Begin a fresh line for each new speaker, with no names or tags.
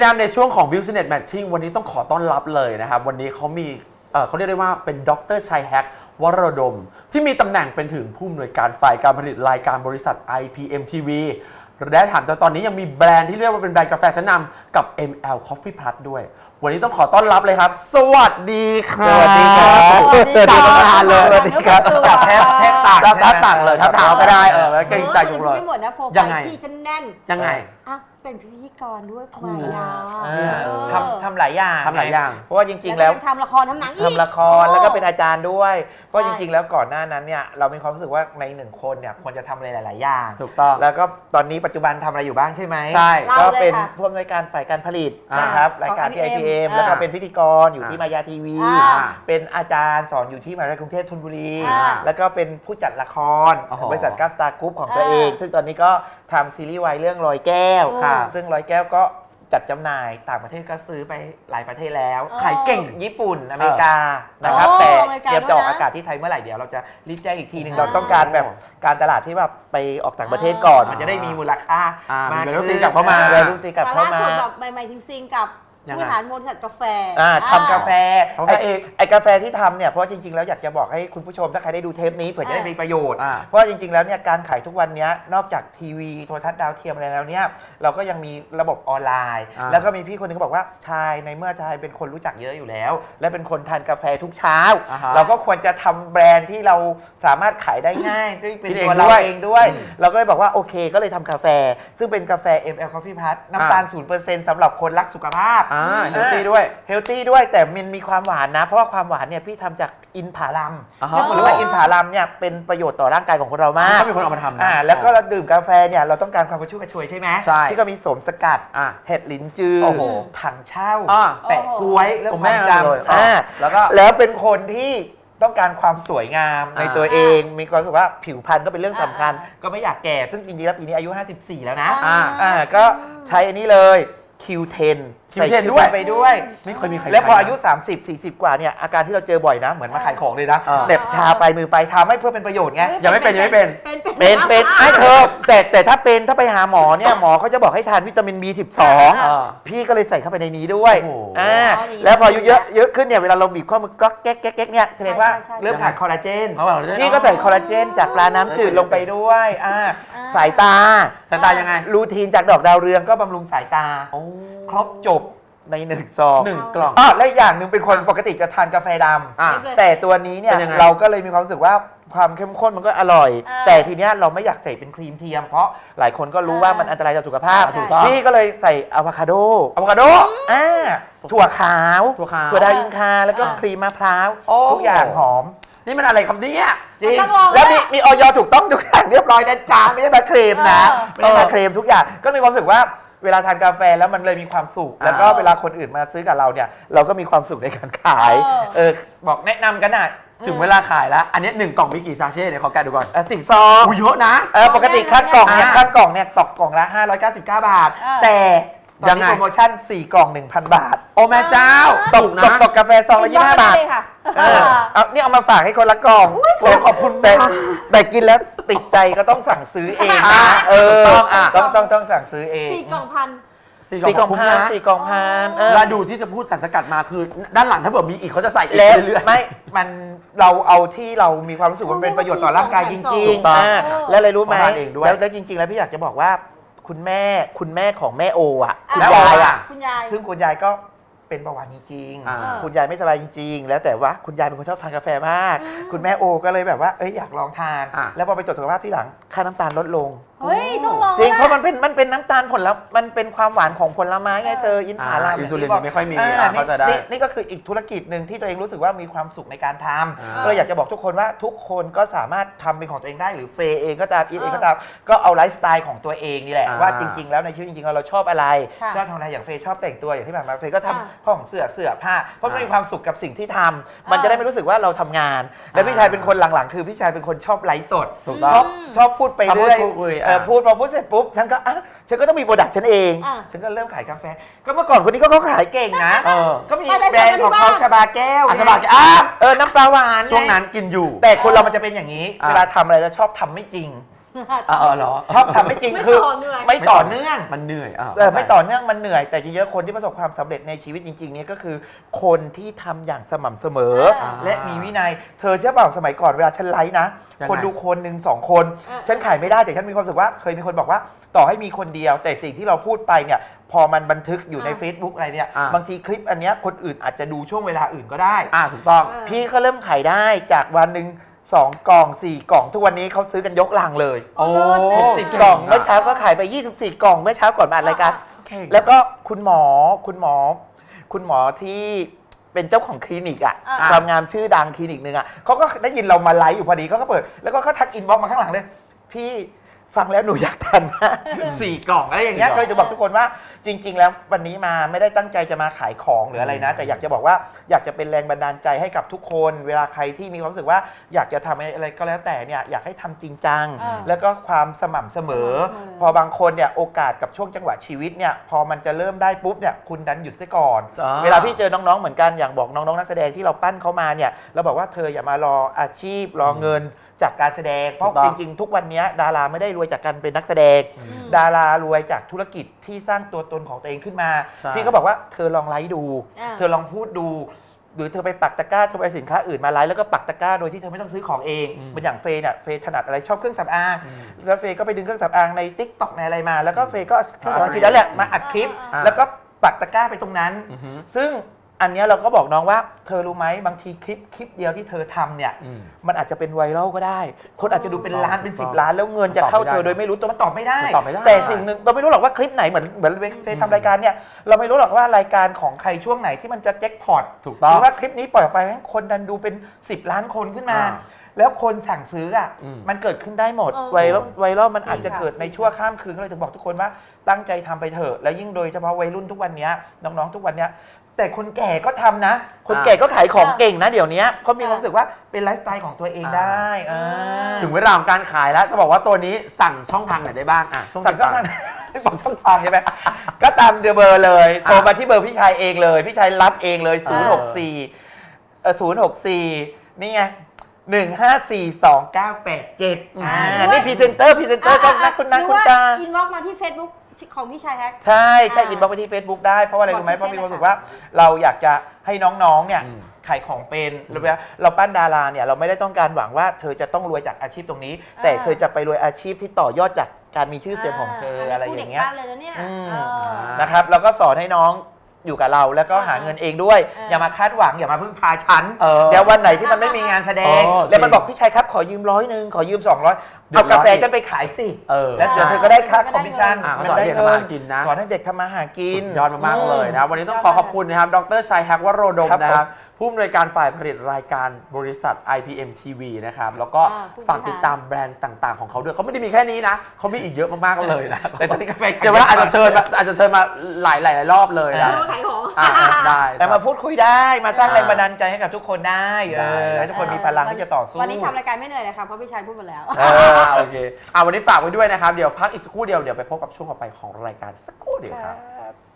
แนะนำในช่วงของ Business Matching วันนี้ต้องขอต้อนรับเลยนะครับวันนี้เขามีเขาเรียกได้ว่าเป็นดร.ชัยแฮกวรดมที่มีตำแหน่งเป็นถึงผู้อำนวยการฝ่ายการผลิตรายการบริษัท IPM TV และถามตอนนี้ยังมีแบรนด์ที่เรียกว่าเป็นแบรนด์กาแฟชั้นนำกับ ML Coffee Plus ด้วยวันนี้ต้องขอต้อนรับเลยครับสวัสดีครับ
สวัสดีครับ
สวัสดีครับเลย
สวัสดีครับ
จับแทบต่างเลยทับเท้าก็ได้เกรงใจจังเลย
ไม่หมดนะโปรไฟ
ยังไง
ล์พี่ฉันแน่น
ยังไง
อ่ะเป็นพิธีกรด้วยทำไม
ถูก
อ่ะ
ทำหลายอย่าง
ทำหลายอย่าง
เพราะว่าจริงๆแล้ว
ทำละครทำหนังอีก
ทำละครแล้วก็เป็นอาจารย์ด้วย เพราะจริงๆแล้วก่อนหน้านั้นเนี่ยเรามีความรู้สึกว่าในหนึ่งคนเนี่ยควรจะทำอะไรหลายๆอย่าง
ถูกต้อง
แล้วก็ตอนนี้ปัจจุบันทำอะไรอยู่บ้างใช่ไหม
ใช่
ก็เป็นผู้อำนวยการฝ่ายการผลิตนะครับรายการที่ IPM แล้วก็เป็นพิธีกรอยู่ที่มายาทีวี เป็นอาจารย์สอนอยู่ที่มหาวิทยาลัยกรุงเทพธนบุรี แล้วก็เป็นผู้จัดละครบริษัทก้าวสตาร์กรุ๊ปของตัวเอง ซึ่งตอนนี้ก็ทำซีรีส์วายเรื่องรอยแก้ว ซึ่งรอยแก้วก็จัดจำหน่ายต่างประเทศก็ซื้อไปหลายประเทศแล้ว
ขายเก่ง
ญี่ปุ่นอเมริกานะครับแต่เตรียมจะออกอากาศที่ไทยเมื่อไหร่เดี๋ยวเราจะรีบแจ้งอีกทีหนึ่งเราต้องการแบบการตลาดที่แบบไปออกต่างประเทศก่อนมันจะได้มีมูลค่ามากขึ้น
ตีกลับเข้ามา
ลูกตีกลับเข้ามา
ล่าสุดแบบใหม่ๆจริงๆกับผู้บริหารบริษัทกาแฟ
ทำกาแฟ ไอ้กาแฟที่ทำเนี่ยเพราะจริงๆแล้วอยากจะบอกให้คุณผู้ชมถ้าใครได้ดูเทปนี้เผื่อจะได้มีประโยชน์เพราะจริงๆแล้วเนี่ยการขายทุกวันนี้นอกจากทีวีโทรทัศน์ดาวเทียมอะไรแล้วเนี่ยเราก็ยังมีระบบออนไลน์แล้วก็มีพี่คนหนึงก็บอกว่าชายในเมื่อชายเป็นคนรู้จักเยอะอยู่แล้วและเป็นคนทานกาแฟทุกเช้าเราก็ควรจะทำแบรนด์ที่เราสามารถขายได้ง่ายด้วยเป็นตัวเราเองด้วยเราก็เลยบอกว่าโอเคก็เลยทำกาแฟซึ่งเป็นกาแฟ ML Coffee Plus น้ำตาล 0% สำหรับคนรักสุขภาพ
เฮลตี้ด้วย
เฮลตี้ด้วยแต่มันมีความหวานนะเพราะว่าความหวานเนี่ยพี่ทำจากอินผาลัมซึ่งผมรู้ว่าอินผาลัมเนี่ยเป็นประโยชน์ต่อร่างกายของคนเรามาก
ก็มีคนเอามาทำนะ
แล้วก็เราดื่มกาแฟเนี่ยเราต้องการความกระชุ่มกระชวยใช่ไหม
ใช่
ที่ก็มีโสมสกัดเห็ดหลินจือถังเช่าแปะกล้วยเรื่องความจำแล้วเป็นคนที่ต้องการความสวยงามในตัวเองมีความรู้สึกว่าผิวพรรณก็เป็นเรื่องสำคัญก็ไม่อยากแก่ซึ่งจริงๆแล้วปีนี้อายุ54แล้วนะก็ใช้อันนี้เลย Q10 ใส่ Q10 ไปด้วย
ไม่เคยมีใคร
แล้วพออายุ30-40 กว่าเนี่ยอาการที่เราเจอบ่อยนะเหมือนมาขายของเลยนะเด็บชาไปมือไปทำให้เพื่อเป็นประโยชน์ไง
ยังไม่เป็น
เป็นไอ้เธอแต่ถ้าไปหาหมอเนี่ยหมอเขาจะบอกให้ทานวิตามิน B12 พี่ก็เลยใส่เข้าไปในนี้ด้วยแล้วพออายุเยอะขึ้นเนี่ยเวลาเราบีบข้อมือก็แก๊กเนี่ยแสดงว่าเริ่มขาดคอลลาเจนพี่ก็ใส่คอลลาเจนจากปลาน้ำจืดลงไปด้วยสายตา
ยังไง
รูทีนจากดอกดาวเรืองก็บำรุงสายตาครบจบใน1 ซอง
1 กล่อง
และอย่างหนึ่งเป็นคนปกติจะทานกาแฟดำแต่ตัวนี้เนี่ยเราก็เลยมีความรู้สึกว่าความเข้มข้นมันก็อร่อยแต่ทีเนี้ยเราไม่อยากใส่เป็นครีมเทียมเพราะหลายคนก็รู้ว่ามันอันตรายต่อสุขภาพพี่ก็เลยใส่อะโวคาโดถั่วขาวถั่วดาวอินคาแล้วก็ครีมมะพร้าวทุกอย่างหอม
นี่มันอะไรคำนี้
จริงแล้วมีออยถูกต้องทุกอย่างเรียบร้อยนะจ๊ะไม่ได้มาเคลมนะไม่ได้มาเคลมทุกอย่างก็มีความรู้สึกว่าเวลาทานกาแฟแล้วมันเลยมีความสุขแล้วก็เวลาคนอื่นมาซื้อกับเราเนี่ยเราก็มีความสุขในการขายบอกแนะนำกันนะ
ถึงเวลาขายแล้วอันนี้1 กล่องมีกี่ซาเช่เนี่ยขอแกะดูก่อน
10 ซอง
เยอะนะ
ปกติขั้นกล่องเนี่ยตกกล่องละ599 บาทแต่ตอนนี้โปรโมชั่น4 กล่อง 1,000 บาท
โอ้แม่เจ้า
ตกกาแฟซองละ25 บาทนี่เอามาฝากให้คนละกล่อง
ขอบคุณ
แต่กินแล้วติดใจก็ต้องสั่งซื้อเองนะต้องสั่งซื้อเอง
4 กล่องพัน
4 กล่องพัน
แล้วดูที่จะพูดสารสกัดมาคือด้านหลังถ้าเกิดมีอีกเขาจะใส่อีกเรื่อย
ๆไม่มันเราเอาที่เรามีความรู้สึกว่าเป็นประโยชน์ต่อร่างกายจริงๆแล้วเลยรู้ไหมแล้วจริงๆแล้วพี่อยากจะบอกว่าคุณแม่ของแม่โอคุณยายซึ่งคุณยายก็เป็นเบาหวานจริงๆคุณยายไม่สบายจริงๆแล้วแต่ว่าคุณยายเป็นคนชอบทานกาแฟมากคุณแม่โอก็เลยแบบว่าอยากลองทานแล้วพอไปตรวจสุขภาพที่หลังค่าน้ำตาลลดลง
ต้องลอง
จริงเพราะมันเป็นน้ำตาลผลแล้วมันเป็นความหวานของผลไม้ไงเธออินทผลัม
อินซูลินไม่ค่อยมีเข้าใจได้
นี่ก็คืออีกธุรกิจหนึ่งที่ตัวเองรู้สึกว่ามีความสุขในการทำก็เลยอยากจะบอกทุกคนว่าทุกคนก็สามารถทำเป็นของตัวเองได้หรือเฟย์เองก็ตามอีทเองก็ตามก็เอาไลฟ์สไตล์ของตัวเองนี่แหละว่าจริงๆแล้วในชีวิตจริงๆเราชอบอะไรชอบทำอะไรอย่างเฟย์ชอบแต่งตัวอย่างที่ผ่านมาเฟย์ก็ทำห้องเสื้อผ้าเพราะมันมีความสุขกับสิ่งที่ทำมันจะได้ไม่รู้สึกว่าเราทำงานและพี่ชายเป็นคนหลังๆคือพี่ชายเป็นคนชอบไลฟ์สดชอบพูดไปเรื่อยพูดพอพูดเสร็จปุ๊บฉันก็ต้องมีโปรดักต์ฉันเองฉันก็เริ่มขายกาแฟก็เมื่อก่อนคนนี้ก็เขาขายเก่งนะก็มีแบรนด์ของเขาชบาแก้ว
ชบาแก้ว
น้ำปลาหวาน
ช่วงนั้นกินอยู่
แต่คนเรามันจะเป็นอย่างนี้เวลาทำอะไรแล้วชอบทำไม่จริง
เหรอ
ชอบทำไม่จริง
ไม่
คือ
ต่อเนื่อง
ไม่ต่อเนื่อง
มันเหนื่อย
ไม่ต่อเนื่องมันเหนื่อยแต่จริงๆคนที่ประสบความสำเร็จในชีวิตจริงๆเนี่ยก็คือ คนที่ทำอย่างสม่ำเสมอ และมีวินัยเธอเชื่อเปล่าสมัยก่อนเวลาฉันไลฟ์นะ
ยังไง
คนดูคนหนึ่งสองคน ฉันขายไม่ได้แต่ฉันมีความรู้สึกว่าเคยมีคนบอกว่าต่อให้มีคนเดียว แต่สิ่งที่เราพูดไปเนี่ยพอมันบันทึกอยู่ใน Facebook อะไรเนี่ยบางทีคลิปอันเนี้ยคนอื่นอาจจะดูช่วงเวลาอื่นก็ได้
ถูกต้อง
พี่ก็เริ่มขายได้จากวันหนึ่ง2 กล่อง 4 กล่อง ทุกวันนี้เขาซื้อกันยกลังเลย
โอ้
10 กล่องเมื่อเช้าก็ขายไป 24 กล่องเมื่อเช้าก่อนมาอัดรายการ
เก่ง
แล้วก็คุณหมอที่เป็นเจ้าของคลินิกอ่ะ
อ่า
ความงามชื่อดังคลินิกหนึ่งอ่ะเขาก็ได้ยินเรามาไลฟ์อยู่พอดีเขาก็เปิด แล้วก็เขาทักอินบ็อกซ์มาข้างหลังเลย พี่ฟังแล้วหนูอยากทานมาก4 กล่องอะไรอย่างเงี้ย
4 กล่
ก็
อง
เลยจะบอกทุกคนว่าจริง ๆ แล้ววันนี้มาไม่ได้ตั้งใจจะมาขายของหรืออะไรนะ แต่อยากจะบอกว่าอยากจะเป็นแรงบันดาลใจให้กับทุกคน เวลาใครที่มีความรู้สึกว่าอยากจะทำอะไรก็แล้วแต่เนี่ยอยากให้ทำจริงจัง แล้วก็ความสม่ำเสมอ พอบางคนเนี่ยโอกาสกับช่วงจังหวะชีวิตเนี่ยพอมันจะเริ่มได้ปุ๊บเนี่ยคุณดันหยุดซะก่อน
จ้า
เวลาพี่เจอน้องๆเหมือนกันอย่างบอกน้องๆนักแสดงที่เราปั้นเขามาเนี่ยเราบอกว่าเธออย่ามารออาชีพรอเงินจากการแสดงเพราะ
ถูกต้
จ
อง
ริงๆ ทุกวันนี้ดาราไม่ได้รวยจากการเป็นนักแสดง ดารารวยจากธุรกิจที่สร้างตัวตนของตัวเองขึ้นมา
ใช่
พี่ก็บอกว่าเธอลองไลฟ์ดู
อ่า
เธอลองพูดดู หรือเธอไปปักตะกร้าเธอไปสินค้าอื่นมาไลฟ์แล้วก็ปักตะกร้าโดยที่เธอไม่ต้องซื้อของเองเหมือนอย่างเฟย์เนี่ยเฟย์ถนัดอะไรชอบเครื่องสำอางแล้วเฟย์ก็ไปดึงเครื่องสำอางใน TikTok ในอะไรมา แล้วก็เฟย์ก็เครื่องสำอางทีนั้นแหละมาอัดคลิป แล้วก็ปักตะกร้าไปตรงนั้น
อือฮึ
ซึ่งอันเนี้ยเราก็บอกน้องว่าเธอรู้ไหมบางทีคลิปเดียวที่เธอทำเนี่ย มันอาจจะเป็นไวรัลก็ได้ คนอาจจะดูเป็นล้านเป็น10 ล้านแล้วเงินจะเข้าเธอโดยไม่รู้ตัวมันตอบไม่ได้
มันตอบไม่ได้
แต่สิ่งหนึ่งเราไม่รู้หรอกว่าคลิปไหนเหมือนเฟซทำรายการเนี่ยเราไม่รู้หรอกว่ารายการของใครช่วงไหนที่มันจะแจ็คพอต
ถูก
ห
ต้อง
รือว่าคลิปนี้ปล่อยออกไปให้คนดันดูเป็น10 ล้านคนขึ้นมา แล้วคนสั่งซื้ออ่ะ มันเกิดขึ้นได้หมด ไวรัลมันอาจจะเกิดในชั่วข้ามคืนก็เลยจะบอกทุกคนว่าตั้งใจทำไปเถอะแล้วยิ่งโดยเฉพาะวัยรุ่นทุกวันนี้น้องๆทุกวันนี้แต่คนแก่ก็ทำนะ คนแก่ก็ขายของเก่งนะเดี๋ยวนี้เขามีความรู้สึกว่าเป็นไลฟ์สไตล์ของตัวเองได้
ถึงเวลาของการขายแล้วจะบอกว่าตัวนี้สั่งช่องทางไหนได้บ้างช่อง
สั่งช่อง
ทา
ทาง งบอกช่องทางใช่ไหมก็ตามเบอร์เลยโทรมาที่เบอร์พี่ชายเองเลยพี่ชายรับเองเลย064นี่ไง1542987นี่พรีเซนเตอร์ก็นักคุณนาคุณตา
อินบ็อกมาที่ Facebook ของพี่ชายแฮก
ใช่อินบ็อกซ์ไปที่ Facebook ได้เพราะว่าอะไรรู้ไหม
บอก
เพราะมี
ชื่อ
ความรู้สึกว่าเราอยากจะให้น้องๆเนี่ยขายของเป็นเราปั้นดาราเนี่ยเราไม่ได้ต้องการหวังว่าเธอจะต้องรวยจากอาชีพตรงนี้ แต่เธอจะไปรวยอาชีพที่ต่อยอดจากการมีชื่อเสียงของเธออะไรอย่างเงี้ย
พูดด็กบ้านเลยนะเนี่ย
นะครับแล้วก็สอนให้น้องอยู่กับเราแล้วก็หาเงินเองด้วย อย่ามาคาดหวังอย่ามาพึ่งพาฉันเดี๋ยววันไหนที่มันไม่มีงานแสดงแล้วมันบอกพี่ชัยครับขอยืม100ขอยืม200เอากาแฟฉันไปขายสิแล้วเดี๋ยวเธอก็ได้ค่าคอมมิชชั่น
ก็สอนเด็กทำมาหากินนะ
สอนให้เด็กทำมาหากิน
สุดยอดมากๆเลยนะครับวันนี้ต้องขอบคุณนะครับดรชัยแฮกวโรดม
ครับ
นะครับผู้อำนวยการฝ่ายผลิตรายการบริษัท IPM TV นะครับแล้วก็ฝากติดตามแบรนด์ต่างๆของเขาด้วยเขาไม่ได้มีแค่นี้นะเขามีอีกเยอะมากๆเลยนะ
แต่ตอนนี้กาแฟ
เดี๋ยวว่าอาจจะเชิญมาหลายรอบเลยนะ
ขายของ
ได้
แต่มาพูดคุยได้มาสร้างแรงบันดาลใจให้กับทุกคนได้ให้ทุกคนมีพลังที่จะต่อสู้
วันนี้ทำรายการไม่เหนื่อยเลยค่ะเพราะพี่ชายพูดหมดแล้ว
โอเควันนี้ฝากไว้ด้วยนะครับเดี๋ยวพักอีกสักครู่เดียวเดี๋ยวไปพบกับช่วงต่อไปของรายการสักครู่เดียวครับ